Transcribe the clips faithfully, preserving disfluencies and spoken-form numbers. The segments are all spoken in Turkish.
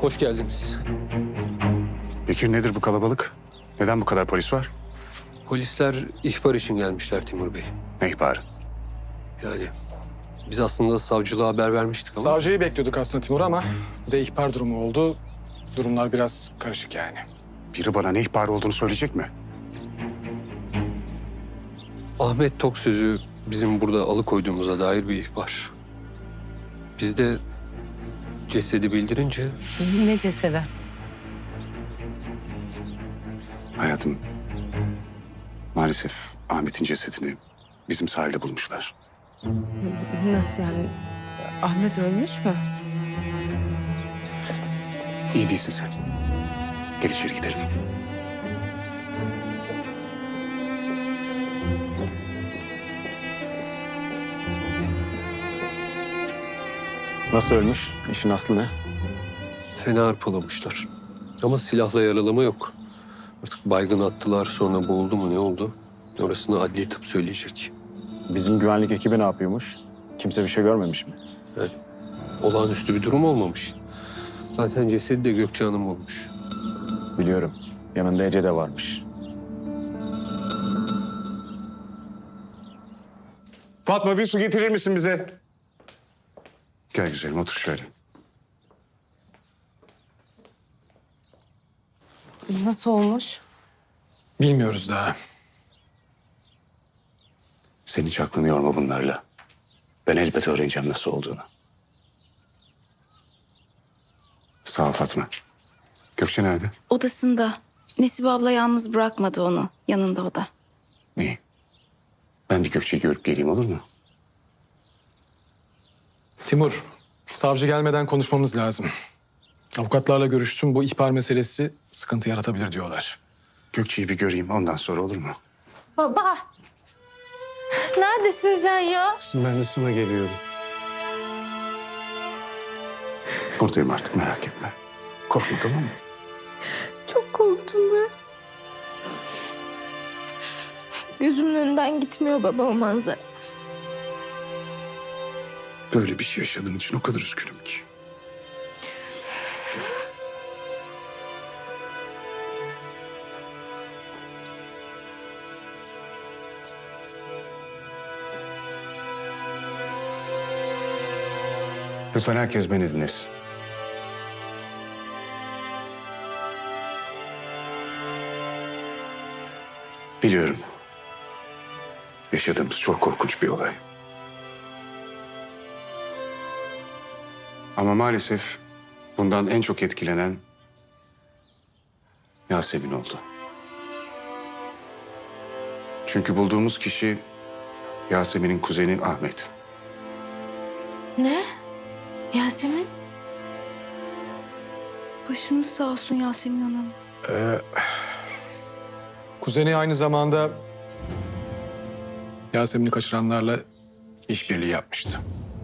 Hoş geldiniz. Bekir, nedir bu kalabalık? Neden bu kadar polis var? Polisler ihbar için gelmişler Timur Bey. Ne ihbarı? Yani biz aslında savcılığa haber vermiştik ama... Savcıyı bekliyorduk aslında Timur ama bir de ihbar durumu oldu. Durumlar biraz karışık yani. Biri bana ne ihbarı olduğunu söyleyecek mi? Ahmet Tok sözü bizim burada alıkoyduğumuza dair bir ihbar. Biz de cesedi bildirince Ne cesedi? Hayatım, maalesef Ahmet'in cesedini bizim sahilde bulmuşlar. Nasıl yani? Ahmet ölmüş mü? İyi değilsin sen. Gel içeri gidelim. Nasıl ölmüş? İşin aslı ne? fena arpalamışlar. Ama silahla yaralama yok. Artık baygın attılar, sonra boğuldu mu ne oldu? Orasını adli tıp söyleyecek. Bizim güvenlik ekibi ne yapıyormuş? Kimse bir şey görmemiş mi? Yani olağanüstü bir durum olmamış. Zaten cesedi de Gökçe Hanım bulmuş. Biliyorum. Yanında Ece de varmış. Fatma, bir su getirir misin bize? Gel güzelim, otur şöyle. Nasıl olmuş? Bilmiyoruz daha. Sen hiç aklını yorma bunlarla. Ben elbet öğreneceğim nasıl olduğunu. Sağ ol Fatma. Gökçe nerede? Odasında. Nesibe abla yalnız bırakmadı onu. Yanında o da. İyi. Ben bir Gökçe'yi görüp geleyim, olur mu? Timur, savcı gelmeden konuşmamız lazım. Avukatlarla görüştüm. Bu ihbar meselesi sıkıntı yaratabilir diyorlar. Gökçe'yi bir göreyim, ondan sonra olur mu? Baba. Neredesin sen ya? Ben de sana geliyorum. Buradayım artık, merak etme. Korkma, tamam mı? Çok korktum ben. Gözümün önünden gitmiyor baba o manzara. Böyle bir şey yaşadığın için o kadar üzgünüm ki. Lütfen herkes beni dinlesin. Biliyorum. Yaşadığımız çok korkunç bir olay. Ama maalesef bundan en çok etkilenen Yasemin oldu. Çünkü bulduğumuz kişi Yasemin'in kuzeni Ahmet. Ne? Yasemin? Başınız sağ olsun Yasemin Hanım. Ee, kuzeni aynı zamanda Yasemin'i kaçıranlarla işbirliği yapmıştı.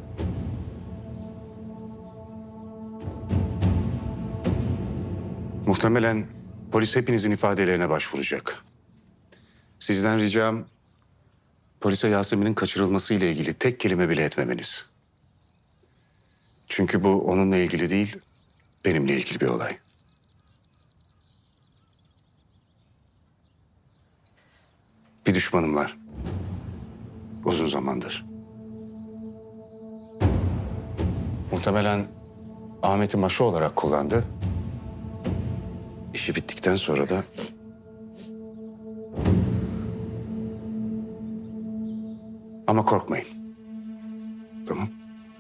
Muhtemelen polis hepinizin ifadelerine başvuracak. Sizden ricam polise Yasemin'in kaçırılması ile ilgili tek kelime bile etmemeniz. Çünkü bu onunla ilgili değil, benimle ilgili bir olay. Bir düşmanım var. Uzun zamandır. Muhtemelen Ahmet'i maşa olarak kullandı. İşi bittikten sonra da ama korkmayın. Tamam.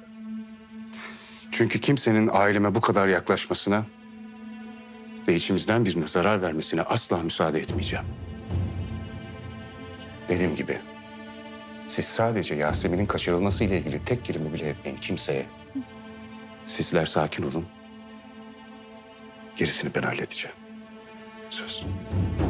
Çünkü kimsenin aileme bu kadar yaklaşmasına ve içimizden birine zarar vermesine asla müsaade etmeyeceğim. Dediğim gibi siz sadece Yasemin'in kaçırılması ile ilgili tek kelime bile etmeyin kimseye. Sizler sakin olun. Gerisini ben halledeceğim. Söz.